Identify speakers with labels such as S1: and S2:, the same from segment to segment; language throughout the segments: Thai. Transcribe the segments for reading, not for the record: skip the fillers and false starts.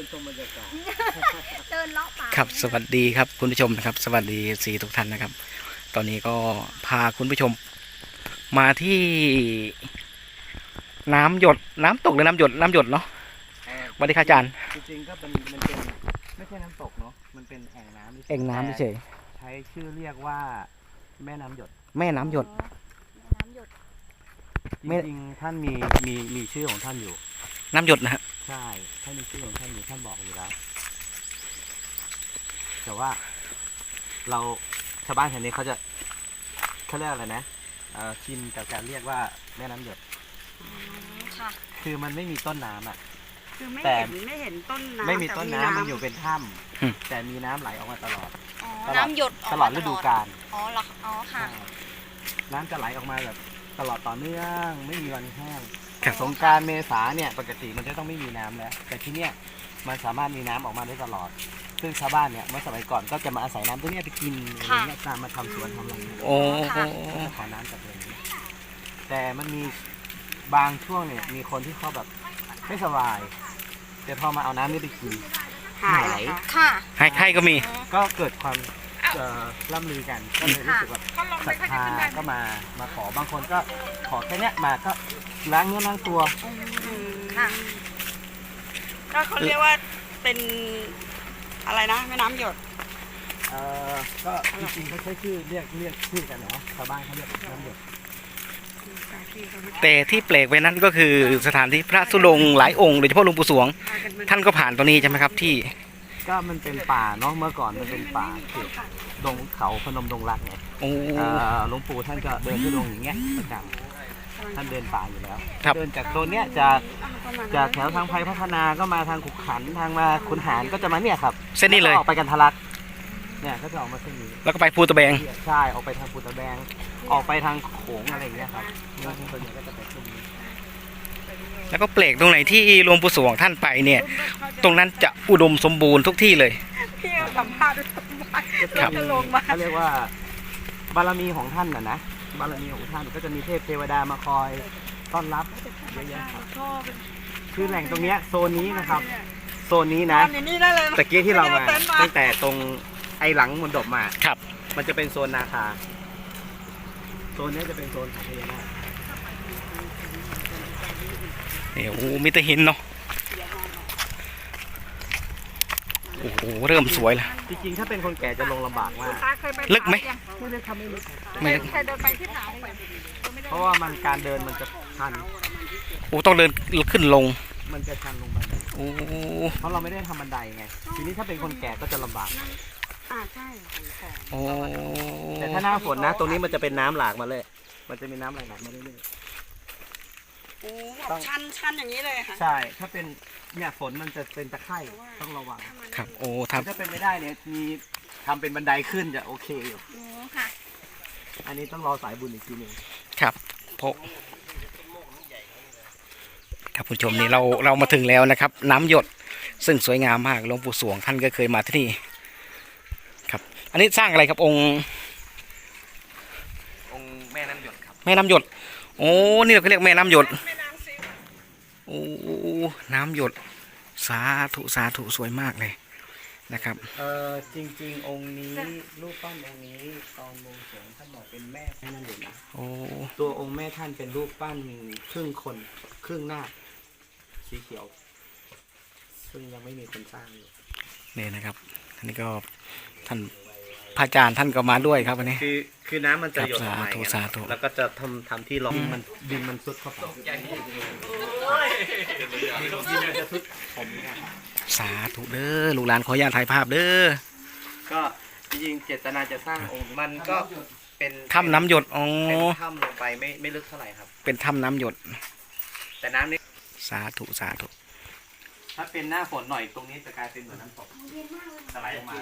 S1: ชมบรรยากาศ
S2: เดินเลาะป่า
S3: ครับสวัสดีครับคุณผู้ชมนะครับสวัสดีสีทุกท่านนะครับ ตอนนี้ก็พาคุณผู้ชมมาที่น้ำหยดน้ำตกหรือน้ำหยดเนาะสวัสดีครับอาจารย์
S1: จริงๆก็เป็นไม่ใช่น้ำตกเนาะมันเป็นแอ่งน้ำ
S3: เอ่งน้ำเฉย
S1: ใช้ชื่อเรียกว่าแม่น้ำหยด
S3: แม่น้ำหยด
S2: น้ำหยด
S1: จริงๆท่านมีชื่อของท่านอยู่
S3: น้ำหยดนะฮะ
S1: ใช่ท่านมีชื่อของท่านอยู่ท่านบอกอยู่แล้วแต่ว่าเราชาวบ้านแถวนี้เขาเรียกอะไรนะชินกับการเรียกว่าแม่น้ำหยด
S2: ค่ะ
S1: คือมันไม่มีต้นน้ำอ่ะ
S4: คือไม่เห็นต้นน้ำ
S1: ไม่มีต้นน้ำมันอยู่เป็นถ้ำแต่มีน้ำไหลออกมาตลอด
S2: น้ำหยด
S1: ตลอดฤดูกาล
S2: อ๋อเหรออ๋อค่ะ
S1: น้ำจะไหลออกมาแบบตลอดต่อเนื่องไม่มีวันแห้งแต่สงกรานต์เมษาเนี่ยปกติมันจะต้องไม่มีน้ำแล้วแต่ที่เนี้ยมันสามารถมีน้ำออกมาได้ตลอดซึ่งชาวบ้านเนี่ยเมื่อสมัยก่อนก็จะมาอาศัยน้ำตัวนี้ไปกินอะไรเงี้ยมาทำสวนทำอะไร
S3: โอ้
S1: ขอน้ำจากตรงนี้แต่มันมีบางช่วงเนี่ยมีคนที่เขาแบบไม่สบายแต่พอมาเอาน้ำนี่ไปกิน
S2: หายค่ะ
S3: ไข้ก็มี
S1: ก็เกิดความล่ำลือกันก็เลยรู้สึกว่าศรัทธาก็มาขอบางคนก็ขอแค่เนี้ยมาก็ล้างเนื้อล้างตัว
S4: ค่ะก็เขาเรียกว่าเป็นอะไรนะแม่น้ำหยด
S1: ก็จริงๆเขาใช้ชื่อเรียกชื่อกันเนาะชาวบ้านเขาเรียกน้ำหยด
S3: แต่ที่แปลกไปนั้นก็คือสถานที่พระธุดงค์หลายองค์โดยเฉพาะหลวงปู่สวงท่านก็ผ่านตรงนี้ใช่ไหมครับที่
S1: ก็มันเป็นป่าเนาะเมื่อก่อนมันเป็นป่าเขตดงเขาพนมดงรักไงหลวงปู่ท่านก็เดินทุดงอย่างเงี้ยประจำท่านเดินป่าอยู่แล้วเดินจากโซนเนี้ยจากแถวทางไผ่พัฒนาก็มาทางขุกขันทางมาขุนหารก็จะมาเนี่ยครับ
S3: เส้นนี้เลย
S1: ออกไปกันทะลักเนี่ยเขาจะออกมาเส้นนี้
S3: แล้วก็ไปภูตะแบง
S1: ใช่ออกไปทางภูตะแบงออกไปทางโขงอะไรอย่างเงี้ยครับส่วนใหญ่ก็จะไปเส้นนี้
S3: แล้วก็แปลกตรงไหนที่หลวงปู่สวงท่านไปเนี่ยตรงนั้นจะอุดมสมบูรณ์ทุกที่เลย
S4: พี่สัมภาษณ์ด้วยจะลงมา
S1: เขาเรียกว่าบารมีของท่านนะบารมีของท่านก็จะมีเทพเทวดามาคอยต้อนรับเยอะแยะครับคือแหล่งตรงเนี้ยโซนนี้นะครับโซนนี้นะตะกี้ที่เรามาตั้งแต่ตรงไอหลังมณฑปมา
S3: ครับ
S1: มันจะเป็นโซนนาคาโซนนี้จะเป็นโซนของพญานาค
S3: โอ้มีแต่หินเนาะโอ้โหเริ่มสวยแล้ว
S1: จริงๆถ้าเป็นคนแก่จะลงลำบากมาก
S3: ลึกไหม
S1: ไม่ลึกครับไม่ลึก
S3: ไม่ลึก
S4: เคยเดินไปที่ผา
S1: เพราะว่ามันการเดินมันจะชัน
S3: โอ้ต้องเดินขึ้นลง
S1: มันจะชันลงไป
S3: โอ้
S1: เพราะเราไม่ได้ทำบันไดไงทีนี้ถ้าเป็นคนแก่ก็จะลำบาก
S4: ใช่
S3: โอ้
S1: แต่ถ้าหน้าฝนนะตรงนี้มันจะเป็นน้ำหลากมาเลยมันจะมีน้ำไหลหลากมาเรื่อย
S4: ๆโอ้ชันอย่างนี้เลยค่ะ
S1: ใช่ถ้าเป็นเนี่ยฝนมันจะเป็นตะไคร่ต้องระวัง
S3: ครับโอ้
S1: ถ้าเป็นไม่ได้เนี่ยมีทำเป็นบันไดขึ้นจะโอเคอยู่
S2: โอ้ค่ะ
S1: อันนี้ต้องรอสายบุญอีกทีหนึ่ง
S3: ครับเพราะครับผู้ชมนี่เรามาถึงแล้วนะครับน้ำหยดซึ่งสวยงามมากหลวงปู่สวงท่านก็เคยมาที่นี่ครับอันนี้สร้างอะไรครับองค์
S1: แม่น้ำหยดครับ
S3: แม่น้ำหยดโอ้นี่เราเรียกแม่น้ำหยดโอ้น้ำหยดสาธุสวยมากเลยนะครับ
S1: จริงๆองค์นี้รูปปั้นองค์นี้ตอนบวงสรวงท่านบอกเป็นแม่นั่นเองนะ
S3: โอ้
S1: ตัวองค์แม่ท่านเป็นรูปปั้นครึ่งคนครึ่งหน้าสีเขียวซึ่งยังไม่มีคนสร้างอยู่
S3: นี่นะครับอันนี้ก็ท่านพระอาจารย์ท่านก็มาด้วยครับวันนี้
S1: คือน้ำมันจะหยดออกมาแล้วก็จะทำที่รองดินมันซุดเข้าไปดินจะซุดผม
S3: สาธุเด้อลูกหลานขออนุญาตถ่ายภาพเด้อ
S1: ก็จริงๆเจตนาจะสร้างองค์มันก็เป็น
S3: ถ้ำน้ำหยดอ๋อ
S1: เป็นถ้ำลงไปไม่ลึกเท่าไหร่ครับ
S3: เป็นถ้ำน้ำหยด
S1: แต่น้ำนี้
S3: สาธุ
S1: ถ้าเป็นหน้าฝนหน่อยตรงนี้จะกลายเป็นเหมือนน้ำตกไหลลงมา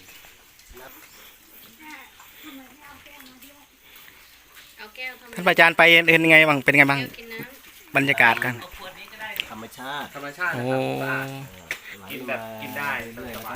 S3: ท่านอาจารย์ไปเห็นยังไงบ้างเป็นไงบ้างบรรยากาศกัน
S1: ธรรมชาติ
S3: โอ้
S1: กินแบบกินได้สบาย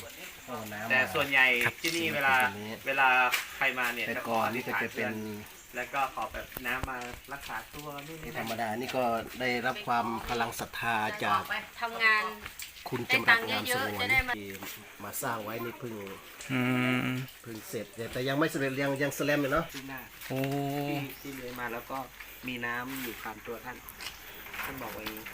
S1: แต่ส่วนใหญ่ที่นี่เวลาใครมาเนี่ย
S5: แต่ก่อนนี่จะเป็น
S1: แล้วก็ขอแบบน้ำมารักษาตัวนู่นนี่
S5: ธร
S1: นั่น
S5: รมดานี่ก็ได้รับความพลังศรัทธาจาก
S2: ทำงาน
S5: คุณจำรัดงามสงวนที่มาสร้างไว้นี่เพิ่ง
S3: อืม
S5: เสร็จแต่ยังไม่เสร็จยังสแลมอยู่เนาะ
S1: ที่หน้า
S3: โอ้
S1: ที่เลื้อยมาแล้วก็มีน้ำอยู่ตามตัวท่านบอกไว้อย่างนี้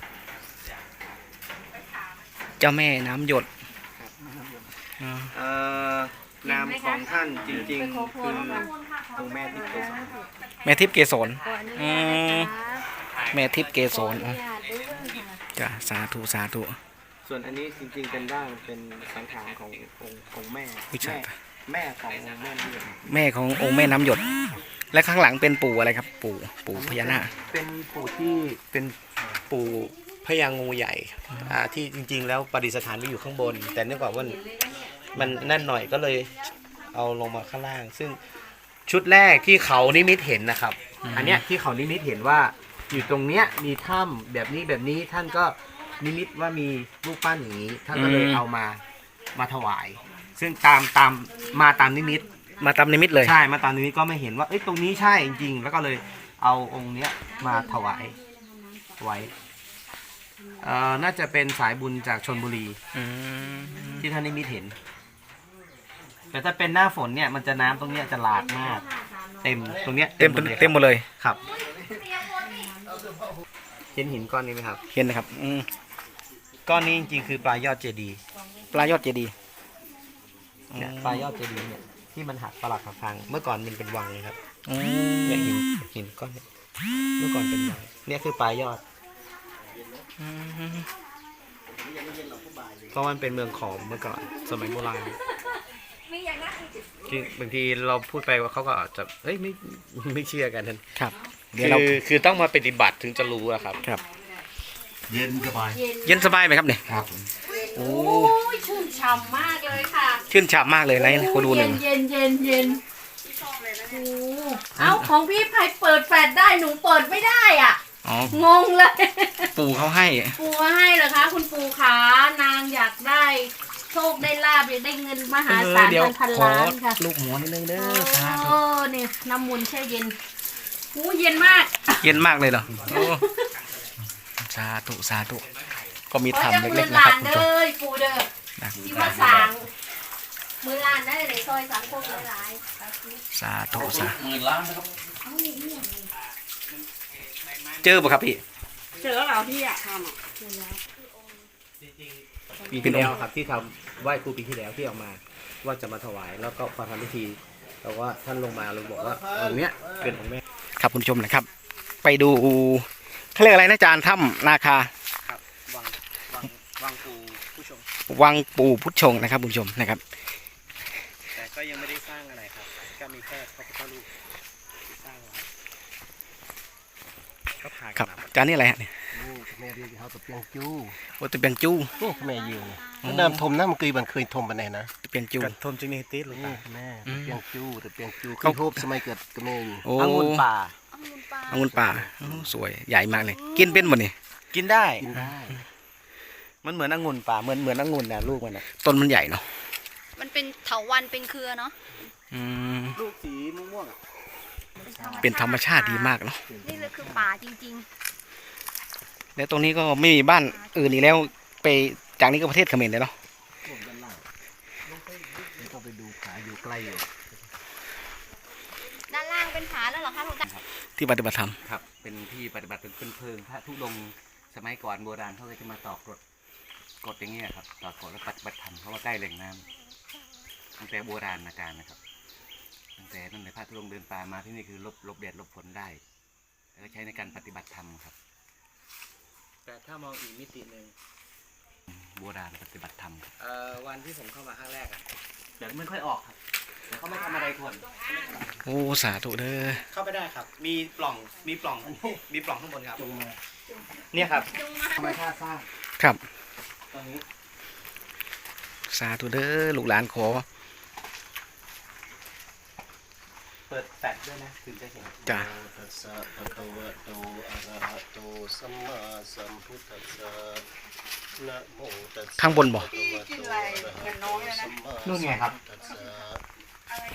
S3: เจ้าแม่น้ำหยด
S1: ครับ
S3: อ่า
S1: นามของท่านจริงๆคือองค์แม่ที่เกศร
S3: แม่ทิพย์เกศรอืมแม่ทิพย์เกศรอ๋อจ้ะสาธุสาธุ
S1: ส่วนอันนี้จริงๆเป็นร่างเป็นสังขารขององค์แม่
S3: วิชา
S1: แม่ขององค์แม่ที่เป็น
S3: แม่ขององค์แม่น้ำหยด และข้างหลังเป็นปู่อะไรครับ ปู่พญานาค
S1: เป็นปู่ที่เป็นปู่พญางูใหญ่ที่จริงๆแล้วประดิษฐานไว้อยู่ข้างบน แต่เนื่องจากว่ามันนั่นหน่อยก็เลยเอาลงมาข้างล่าง ซึ่งชุดแรกที่เขานิมิตเห็นนะครับ อันเนี้ยที่เขานิมิตเห็นว่าอยู่ตรงเนี้ยมีถ้ำแบบนี้ท่านก็นิมิตว่ามีรูปปั้นอย่างนี้ท่านก็เลยเอามาถวาย ซึ่งมาตามนิมิต
S3: มาตามนิมิตเลย
S1: ใช่มาตามนิมิตก็ไม่เห็นว่าเอ้ยตรงนี้ใช่จริงๆแล้วก็เลยเอาองค์เนี้ยมาถวายไว้น่าจะเป็นสายบุญจากชลบุรี
S3: อืม
S1: ที่ท่านนิมิตเห็น แต่ถ้าเป็นหน้าฝนเนี่ยมันจะน้ำตรงเนี้ยจะหลากมาก เต็มตรงเนี้ย
S3: เต็มหมดเลย
S1: ครับเห็นหินก้อนนี้ไหมครับ
S3: เห็นนะครับอืม
S1: ก้อนนี้จริงๆคือปลายยอดเจดีย์
S3: ปลายอดเจดีย์
S1: เนี่ยปลายยอดเจดีย์เนี่ยที่มันหักปลักหักพังเมื่อก่อนมันเป็นวังเลยครับ
S3: อืม
S1: เนี่ยหินก้อนเนี้เมื่อก่อนเป็นวังเนี่ยคือปลายยอดเพราะมันเป็นเมืองขอมเมื่อก่อนสมัยโบราณคือบางทีเราพูดไปว่าเขาก็อาจจะเฮ้ยไม่เชื่อกันท่าน
S3: ครับ เดี๋ยวเรา
S1: คือต้องมาปฏิบัติถึงจะรู้อะครับ
S3: ครับ
S5: เย็นสบาย
S3: เย็นสบายไหมครับเนี่ย
S5: ครับ
S3: โอ้
S2: ชื่นฉ่ำมากเลยค่ะ
S3: ชื่นฉ่ำมากเลยนะขอดูหนึ่ง
S2: เย็นเอ้าของพี่ไพเปิดแฟลชได้หนูเปิดไม่ได้อ่ะ
S3: อ๋อง
S2: งเลย
S3: ปู่เขาให้
S2: ปู่มาให้เหรอคะคุณปู่ขานางอยากได้โชคได้ลาบอยากได้เงินมหาศาล
S3: เดี๋ยว
S2: พัน
S3: ขอ
S2: ล้านค่ะ
S3: ลูกหมูนิดนึงเด้อสาธุ
S2: โอ้เนี่ยน้ำมูลแช่เย็นหูเย็นมาก
S3: เย็นมากเลยเหรอโอ้สาธุสาธุก็มี
S2: ขอ
S3: ธรรม
S2: จะมื
S3: เล็
S2: อก
S3: ๆ
S2: ห
S3: นะ
S2: ลา
S3: ครับ
S2: น
S3: คุณผู้ช
S2: เด้
S3: ม
S2: อปู่เด้อ
S3: นะ
S2: ที่มาสั่งมือหลานได้ในซอยสังคมหลาย
S3: สาธุสาธุ
S5: 10,000 ล้านนะครับ
S3: เจอป่ะครับพี่
S4: เจอแล้วเหรอพี่อะทำอ่ะ
S1: ปีที่แล้วครับที่ทำไหว้ครูปีที่แล้วที่ออกมาว่าจะมาถวายแล้วก็พอทำพิธีแต่ว่าท่านลงมาเลยบอกว่าองค์เนี้ยเป็นของแม่
S3: ครับคุณผู้ชมนะครับ ไปดูเขาเรียกอะไรนะอาจารย์ถ้ำนาคา
S1: ครับวังปูผู้ชม
S3: วังปู่พุทธชงนะครับคุณผู้ชมนะครับ
S1: แต่ก็ยังไม่ได้สร้างอะไรครับก็มีแค่พระพุทธรูปที่สร้างไว้ก็พา
S3: ค
S1: กั
S3: รั
S1: น
S3: บ
S1: มา
S3: อาจารย์นี่อะไรฮะเนี่ย
S5: นี่แม่เรียกเขาตะเปียงจู้
S3: โอตะเปียงจู้
S5: นี่แม่ยืนน้ำทมน้ำมันเคยทมปานไหนนะ
S3: ตะเปียงจู
S1: กระทมจินีติสหรือเป
S5: นี่
S1: ล่า
S5: แม่ตะเปียงจู้ตะเปียงจู้
S3: เขา
S5: คือทูบสมัยเกิดก็แม่อยู่
S3: โอ้
S1: องุ่นป่า
S3: องุ่นป่าโอ้สวยใหญ่มากเลย กินเป็นหมดนี่
S1: กินได้
S5: กินได้
S1: มันเหมือนองุ่นป่าเหมือนองุ่นนะลูกมันนะ
S3: ต้นมันใหญ่เนาะ
S2: มันเป็นเถาวันเป็นเครือเนาะ
S3: อืม
S1: ลูกสีม่วงๆอะ
S3: เป็นธรรมชาติดีมากเนาะ
S2: นี่เลยคือป่าจริง
S3: แล้วตรงนี้ก็ไม่มีบ้านอื่นอีกแล้วไปจากนี้ก็ประเทศเขมรเลยเนาะ
S5: พวกด้านล่างไม่ต้องไปดูขาอยู่ใกล้อยู่
S2: ๆ ด้านล่างเป็นผาแล้วเหรอคะหลวงตา
S3: ที่ปฏิบัติธรรม
S1: ครับเป็นที่ปฏิบัติเป็นเพลิงพระธุดงค์สมัยก่อนโบราณเขาก็จะมาต่อกรดอย่างเงี้ยครับต่อกรดแล้วปฏิบัติธรรมเพราะว่าใกล้แหล่งน้ำตั้งแต่โบราณการนะครับตั้งแต่นั่นเลยพระธุดงค์เดินป่ามาที่นี่คือลบแดดลบฝนได้แล้วก็ใช้ในการปฏิบัติธรรมครับแต่ถ้ามองอีกมิติหนึ่งโบราณปฏิบัติธรรมวันที่ผมเข้ามาครั้งแรกอะเดี๋ยวไม่ค่อยออกครับเดี๋ยวเขาไม่ทำอะไรคน
S3: โอ้สาธุเด้อ
S1: เข้าไปได้ครับ มีปล่องข้างบนครับ เนี่ยครับธรรมชาติสร้าง
S3: ครับ
S1: ตรงนี้
S3: สาธุเด้อลูกหลานขอ
S1: เปิดแฟลชด้วยนะถึงจะเห็น
S3: จ้ะ
S5: ตัสสะภะคะวะโตอะระหะโตสัมมาสัมพุทธัสสะนะโมตัสสะ
S3: ข้างบนบ่
S5: ภะคะวะโตอะระหะโตสัมมาสัมพุทธัสสะ
S1: นู่นไงครับ
S5: ตัสสะ
S1: ข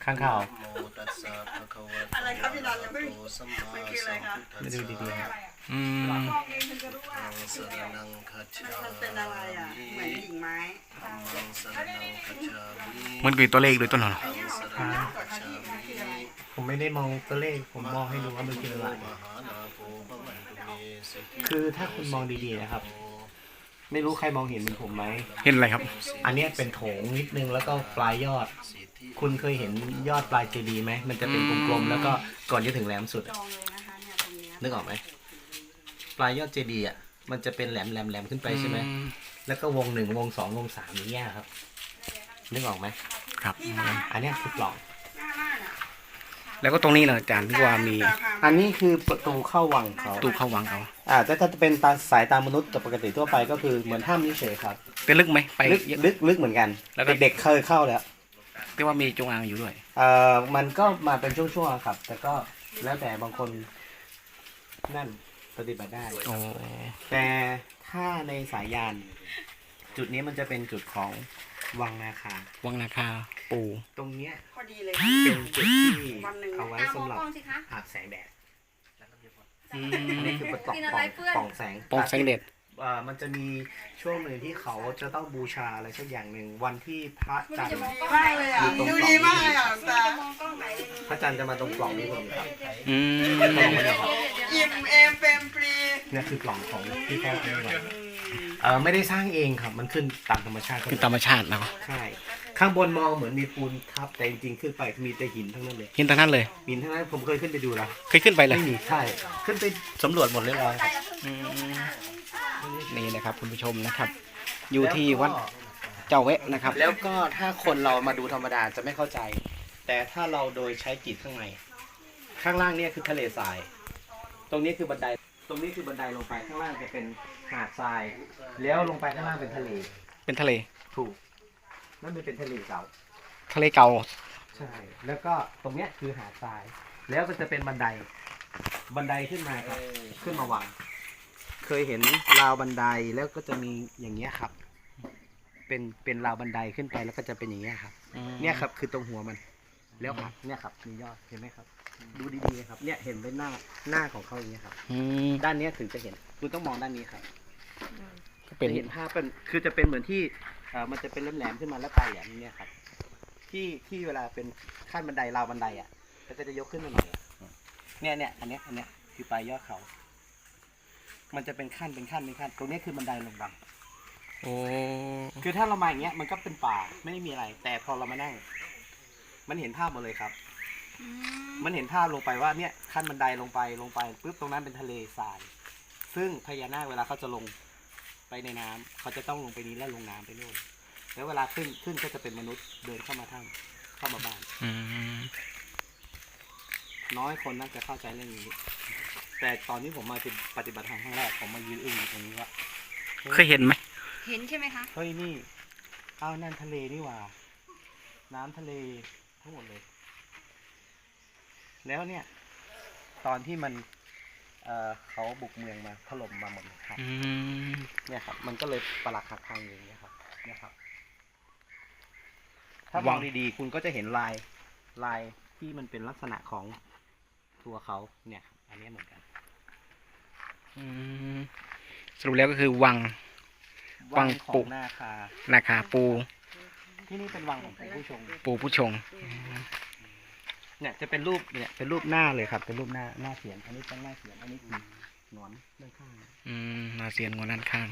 S1: ข้างข่าว
S5: โมตัสสะภะคะวะโต
S4: อะไรครับพี่นันยังไม่
S5: อะระหะโตสัมมา
S4: มันคืออะไรคะ
S5: สัมพุทธัส
S1: ไม่ดู
S5: สะ
S1: ดีๆครับ
S3: อืม
S5: ธัมมังสรณังคัจฉา
S4: มันเป็นอะไรอ่ะ เหมือนกิ่งไม้
S5: ธัมมังสรณังคัจฉามิ
S3: มันคือตัวเลขหรือตัวหนอน
S5: ธัมมังสรณังคัจฉามิ
S1: ผมไม่ได้มองตัวเลขผมมองให้ดูว่ามันคืออะไร
S5: มหานาโภพะมันตุเมสิกิ
S1: คือถ้าคุณมองดีๆนะครับ ไม่รู้ใครมองเห็นเหมือนผมไหม
S3: เห็นอะไรครับ
S1: อันเนี้ยเป็นโถงนิดนึงแล้วก็ปลายยอด
S5: สิทธิ
S1: คุณเคยเห็นยอดปลายเจดีย์ไหมมันจะเป็นกลมๆแล้วก็ก่อนจะถึงแหลมสุด
S4: จ
S1: อะ
S4: องเลยนะคะเนี่ยตรงเนี้ย
S1: นึกออกไหมปลายยอดเจดีย์อ่ะมันจะเป็นแหลมขึ้นไปใช่ไหมแล้วก็วง 1 วง 2 วง 3อย่างเงี้ยครับนึกออกไหม
S3: ครับ
S1: อันเนี้ยคือปล่อง
S4: หน้าน่ะ
S3: แล้วก็ตรงนี้เหรออาจารย์ที่ว่ามี
S1: อันนี้คือประตูเข้าวังเขา
S3: ตู้เข้าวังเขา
S1: แต่ถ้าจะเป็นสายตามนุษย์ปกติทั่วไปก็คือเหมือนถ้ำนี่เฉยครับ
S3: เป็นลึกไหมไป
S1: ลึก
S3: เยอะ
S1: ลึกเหมือนกัน
S3: แล้วก็
S1: เด็กๆเคยเข้าแล้ว
S3: ที่ว่ามีจงอางอยู่ด้วย
S1: มันก็มาเป็นช่วงๆครับ แต่ก็แล้วแต่บางคนนั่นปฏิบัติได้
S3: โอ้
S1: แต่ถ้าในสายยาน จุดนี้มันจะเป็นจุดของวังนาคา
S3: วังนาคาปู
S1: ตรงเนี้ย
S4: พอดีเลย
S1: เป็นจุดที่
S4: วันหนึ่ง
S1: เอาไว้สำหรับ
S2: มองสิคะ
S1: อาบแสงแดด
S3: อื
S1: อันนี้
S3: ม
S1: คือปล่อง
S2: กินอะไรเปื้อน
S1: ปล่องแสง
S3: ปองแสงเด็ด
S1: มันจะมีช่วงหนึ่งที่เขาจะต้องบูชาอะไรสักอย่างหนึ่งวันที่พระจันทร์
S4: ดีมากเลยอ่ะ ดูดีมากเลยอ่ะแต่
S1: พระจันทร์จะมาตรงปล่องนี้พอดีครับ
S3: อืม
S4: อิ่มเอมเปรมปรี
S1: เนี่ยคือปล่องของที่พ่อเป็นไว้ไม่ได้สร้างเองครับ มันขึ้นตามธรรมชาติ
S3: คือธรรมชาติเนาะ
S1: ใช่ ข้างบนมองเหมือนมีปูนทับแต่จริงๆขึ้นไปมีแต่หินทั้งนั้นเลย
S3: หินตรงนั้นเลย
S1: หินทั้งนั้นผมเคยขึ้นไปดูแล้ว
S3: เคยขึ้นไปเลย
S1: ไม่มีใช่ขึ้นไปสำรวจหมดเลยครับ
S3: อืมนี่นะครับคุณผู้ชมนะครับ อยู่ที่วัดเจ้าเวะนะครับ
S1: แล้วก็ถ้าคนเรามาดูธรรมดาจะไม่เข้าใจ แต่ถ้าเราโดยใช้จิตข้างในข้างล่างเนี่ยคือทะเลทราย ตรงนี้คือบันไดตรงนี้คือบันไดลงไปข้างล่างจะเป็นหาดทราย แล้วลงไปข้างล่างเป็นทะเล
S3: เป็นทะเล
S1: ถูกนั่นมันเป็นทะเลเก่า
S3: ทะเลเก่า
S1: ใช่ แล้วก็ตรงเนี้ยคือหาดทราย แล้วก็จะเป็นบันไดขึ้นมาครับขึ้นมาวางเคยเห็นราวบันไดแล้วก็จะมีอย่างเงี้ยครับ เป็นราวบันไดขึ้นไปแล้วก็จะเป็นอย่างเงี้ยครับ เนี่ยครับคือตรงหัวมัน แล้วหักเนี่ยครับมียอดเห็นไหมครับ ดูดีๆครับเนี่ยเห็นเป็นหน้าของเขาอย่างเงี้ยครับ
S3: อืม
S1: ด้านเนี้ยถึงจะเห็นคุณต้องมองด้านนี้ครับ
S3: ก็เป็น
S1: จะเห็นภาพเป็นคือจะเป็นเหมือนที่มันจะเป็นแหลมๆขึ้นมาแล้วปลายแหลมอย่างเนี้ยครับที่เวลาเป็นขั้นบันไดราวบันไดอ่ะแล้วก็จะยกขึ้นมาหน่อยอะเนี่ยอันเนี้ยคือปลายยอดเขา มันจะเป็นขั้นตรงนี้คือบันไดลงบัง
S3: โอ้
S1: คือถ้าเรามาอย่างเงี้ยมันก็เป็นป่าไม่ได้มีอะไร แต่พอเรามานั่ง มันเห็นภาพหมดเลยครับ มันเห็นภาพลงไปว่าเนี่ยขั้นบันไดลงไปปุ๊บตรงนั้นเป็นทะเลทราย ซึ่งพญานาคเวลาเขาจะลงไปในน้ำเขาจะต้องลงไปนี้แล้วลงน้ำไปโน่นแล้วเวลาขึ้นก็จะเป็นมนุษย์เดินเข้ามาถ้ำเข้ามาบ้าน
S3: อืม
S1: น้อยคนน่าจะเข้าใจเรื่องนี้ แต่ตอนนี้ผมมาปฏิบัติธรรมครั้งแรกผมมายืนอึ้งอยู่ตรงนี้ว่า
S3: เคยเห็นไหม
S2: เห็นใช่ไหมคะ
S1: เฮ้ยนี่เอานั่นทะเลนี่หว่า น้ำทะเลทั้งหมดเลย แล้วเนี่ย ตอนที่มันเขาบุกเมืองมาถล่มมาหมดเลยครับ
S3: อืม
S1: เนี่ยครับ มันก็เลยปรักหักพังอย่างเงี้ยครับ เนี่ยครับ ถ้ามองดีๆ คุณก็จะเห็นลายที่มันเป็นลักษณะของตัวเขาเนี่ย อันนี้เหมือนกัน
S3: อืมสรุปแล้วก็คือวัง วัง
S1: ขอ
S3: ปุ
S1: งนาคา
S3: นาคาปู
S1: ที่นี่เป็นวังของผู้ชง
S3: ปูผู้ชง
S1: เนี่ยจะเป็นรูปเนี่ยเป็นรูปหน้าเลยครับ เป็นรูปหน้าเสียนอันนี้เป็นหน้าเสียนอันนี้คือหนอนด้านข้าง
S3: อืมนาเซียนงวนด้านข้าง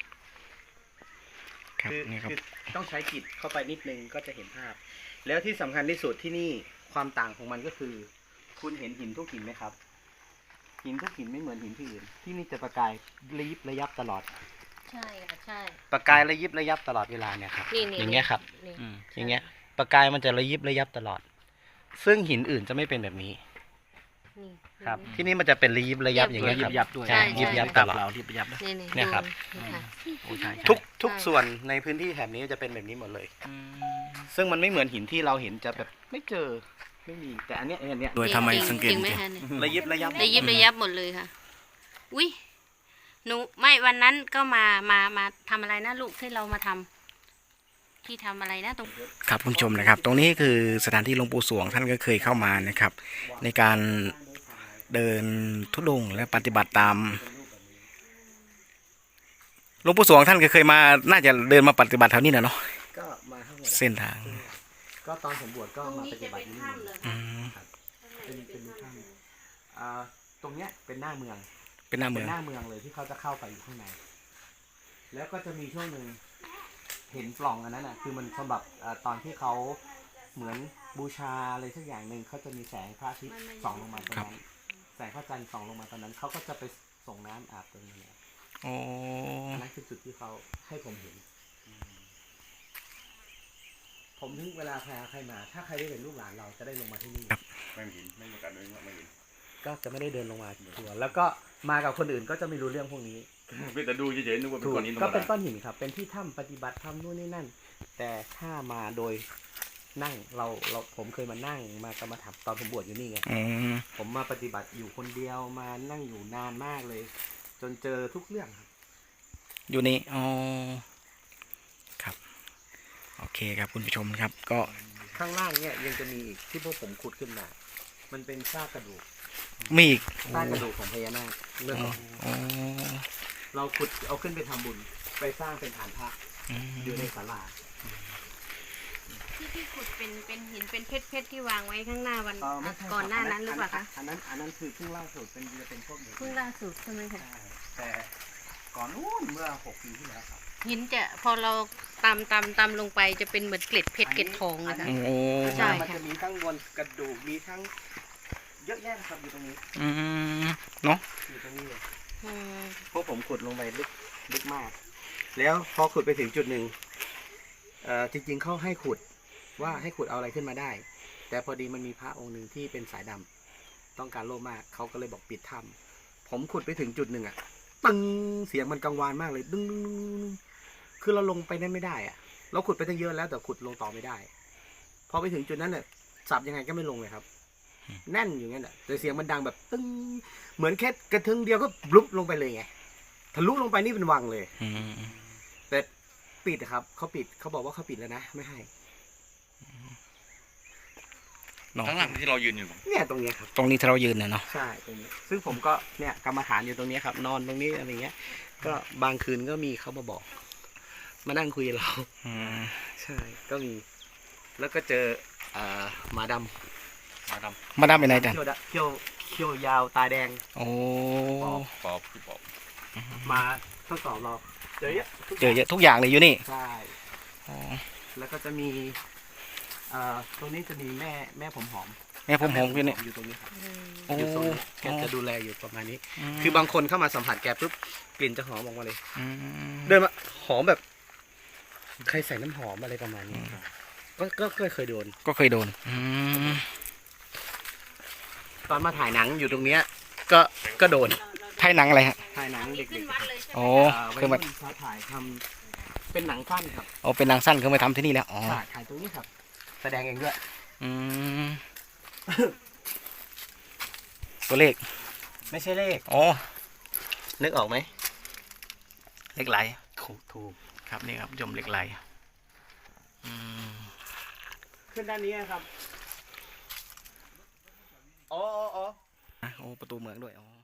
S3: ครับ
S1: คือ
S3: นี่ครับ
S1: คือต้องใช้จิตเข้าไปนิดนึงก็จะเห็นภาพ แล้วที่สำคัญที่สุดที่นี่ความต่างของมันก็คือ คุณเห็นหินทุกหินไหมครับ หินทุกหินไม่เหมือนหินที่อื่นที่นี่จะประกายระยิบระยับตลอด
S2: ใช่ค่ะใช่
S1: ประกายระยิบระยับตลอดเวลาเนี่ยครับ
S2: นี่
S1: อย่างเงี้ยครับ
S2: นี่
S3: อืม
S1: อย่างเงี้ยประกายมันจะระยิบระยับตลอด ซึ่งหินอื่นจะไม่เป็นแบบนี้
S2: นี่
S1: ครับ ที่นี่มันจะเป็นระยิบระยับอย่างเงี้ยครับ
S3: ยับด้วย
S1: ใช่ยิบยับตลอด
S3: ยิบยับนะ
S2: นี่
S1: เนี่ยครับ
S2: ดูนี่ค่ะ
S3: โอ้ใช่
S1: ทุกส่วนในพื้นที่แถบนี้จะเป็นแบบนี้หมดเลย
S3: อืม
S1: ซึ่งมันไม่เหมือนหินที่เราเห็นจะแบบไม่เจอไม่มีแต่อันเนี้ยอันเนี้ย
S3: โดยทำไมสังเกต
S2: จริงไหมคะเนี่ย
S1: ระยิบระยับ
S2: ระยิบระยับหมดเลยค่ะ อุ้ยหนูไม่วันนั้นก็มาทำอะไรนะลูกที่เรามาทที่ทำอะไรนะตรง
S3: ครับคุณผู้ชมนะครับ ตรงนี้คือสถานที่หลวงปู่สวงท่านก็เคยเข้ามานะครับ ในการเดินธุดงค์และปฏิบัติตามหลวงปู่สวงท่านก็เคยมาน่าจะเดินมาปฏิบัติแถวนี้นะเนาะ
S1: ก็มาทั้งหมด
S3: เส้นทาง
S1: ก็ตอนผมบวชก็
S2: ตรง
S1: มา
S2: นี้
S1: ป
S2: จะ
S1: ฏิบั
S2: เป็
S1: ติ
S2: น
S1: ที่นี่
S2: ถ้ำเลย
S3: อืม
S1: เป็นถ้ำตรงเนี้ยเป็นหน้าเมือง
S3: เป็นหน้าเมื
S1: เป็
S3: อน ง
S1: หน้าเมืองเลยที่เขาจะเข้าไปอยู่ข้างใน แล้วก็จะมีช่วงหนึ่งเห็นปล่องอันนั้นอ่ะ คือมันสำหรับตอนที่เขาเหมือนบูชาอะไรสักอย่างหนึ่งเขาจะมีแสงพระอาทิตย์ส่องลงมาตรงนั้น แสงพระจันทร์ส่องลงมาตอนนั้นเขาก็จะไปส่งน้ำอาบตรงนี้
S3: โอ้
S1: อันนั้นคือจุดที่เขาให้ผมเห็น ผมถึงเวลาใครมา ถ้าใครได้เป็นลูกหลานเราจะได้ลงมาที่นี่
S5: ไม่เห็นไม่มีการเดินไม่เห็น
S1: ก็จะไม่ได้เดินลงมาทัวร์แล้วก็มากับคนอื่นก็จะไม่รู้เรื่องพวกนี้
S5: เป็นแต่ดูเฉยๆนึกว่าเป็น
S1: ถูก
S5: ก้อนหินธร
S1: ก็
S5: รม
S1: เป็น
S5: ดา
S1: ก้อนหินครับ เป็นที่ถ้ำปฏิบัติธรรมนู่นนี่นั่น แต่ถ้ามาโดยนั่งผมเคยมานั่งมากรรมฐานตอนผมบวชอยู่นี่ไง
S3: อืม
S1: ผมมาปฏิบัติอยู่คนเดียวมานั่งอยู่นานมากเลย จนเจอทุกเรื่องครับ
S3: อยู่นี่อ๋อครับโอเคครับคุณผู้ชมครับก็
S1: ข้างล่างเนี่ยยังจะมีอีกที่พวกผมขุดขึ้นมา มันเป็นซากกระดูก
S3: มีอีก
S1: ซากกระดูกของพญานาคเรื่อง
S3: อ๋อ
S1: เราขุดเอาขึ้นไปทำบุญ ไปสร้างเป็นฐานพระ
S3: อืม
S1: อยู่ในศาลา
S2: ที่ขุดเป็นหินเป็นเพชรที่วางไว้ข้างหน้าวันก่อนหน้านั้นหรือเปล่าคะ
S1: อันนั้นคือเพิ่งล่าสุดเป็นพวกนี้
S2: เพิ่งล่าสุดใช่ไหมคะ
S1: แต่ก่อนนู้นเมื่อ6 ปีที่แล้วครับ
S2: หินจะพอเราตำลงไปจะเป็นเหมือนเกล็ดเพชรเกล็ดทองเลยค่ะ
S3: โอ้
S2: ใช่
S1: มันจะมีทั้งบนกระดูกมีทั้งเยอะแยะครับอยู่ตรงนี้
S3: อืมเนาะ
S1: อยู่ตรงนี้เลย
S2: อืม
S1: พวกผมขุดลงไปลึกมาก แล้วพอขุดไปถึงจุดหนึ่งจริงๆเขาให้ขุดว่าให้ขุดเอาอะไรขึ้นมาได้ แต่พอดีมันมีพระองค์หนึ่งที่เป็นสายดำต้องการโลภมากเขาก็เลยบอกปิดถ้ำผมขุดไปถึงจุดหนึ่งอะตึงเสียงมันกังวานมากเลยดึงคือเราลงไปนั่นไม่ได้อะเราขุดไปตั้งเยอะแล้วแต่ขุดลงต่อไม่ได้ พอไปถึงจุดนั้นเนี่ยสับยังไงก็ไม่ลงเลยครับ แน่นอยู่งั้นแหละแต่เสียงมันดังแบบตึ้งเหมือนแค่กระทึงเดียวก็บลุบลงไปเลยไงทะลุลงไปนี่เป็นวังเลย
S3: อืม
S1: แต่ปิดอะครับเขาปิดเขาบอกว่าเขาปิดแล้วนะไม่ให้
S3: เนาะ
S5: ข้างหลังที่เรายืนอยู่
S1: เนี่ยตรงเนี้ยครับ
S3: ตรงนี้ที่เรายืนเนี่ยเนาะ
S1: ใช่ตรงนี้ซึ่งผมก็เนี่ยกรรมฐานอยู่ตรงนี้ครับ นอนตรงนี้อะไรเงี้ย ก็บางคืนก็มีเขามาบอก มานั่งคุยกับเรา
S3: อืม
S1: ใช่ก็มี แล้วก็เจอหมาด
S5: มาด
S3: มาดามไปไหน
S1: ำ
S3: จัน
S1: เขี้ยวยาวตาแดง
S3: โอ้
S5: ำปอบคือปอบ
S1: มาทดสอบเราเจอเยอะทุก
S3: เจอเยอะทุกอย่างเลยอยู่นี่
S1: ใช่
S3: อ๋อ
S1: แล้วก็จะมีตรงนี้จะมีแม่ผมหอม
S3: แม่ผมหอมอยู่นี่
S1: อยู่ตรงนี้ครับ
S3: โอ้
S1: อยู่ตรงนี้แกจะดูแลอยู่ประมาณนี้ คือบางคนเข้ามาสัมผัสแกปุ๊บกลิ่นจะหอมออกมาเลย
S3: ม
S1: เดินมาหอมแบบ ใครใส่น้ำหอมอะไรประมาณนี้ครับก็เคยโดน
S3: ก็เคยโดนอืม
S1: ตอนมาถ่ายหนังอยู่ตรงเนี้ยก็โดน
S3: ไทยหนังอะไรฮะ
S1: ถ่ายหนังเด็ก
S2: ขึ้น
S1: ๆ
S2: วัดเลยใช่ไหม
S3: โอ้
S1: วัย
S3: คือมา
S1: รุ่นเขาถ่ายทำเป็นหนังสั้นครับ
S3: โอ้เป็นหนังสั้นคือมาทำที่นี่แล้วอ๋อ
S1: ถ่ายตรงนี้ครับ แสดงเองด้วย
S3: อืมตัวเลข
S1: ไม่ใช่เลข
S3: อ๋อ
S1: นึกออกไหม
S3: เลขไหล
S1: ถูก
S3: ครับนี่ครับยมเหล็กไหลอืม
S1: ขึ้นด้านนี้ครับอ๋อ
S3: โอ้ประตูเมืองด้วยอ๋อ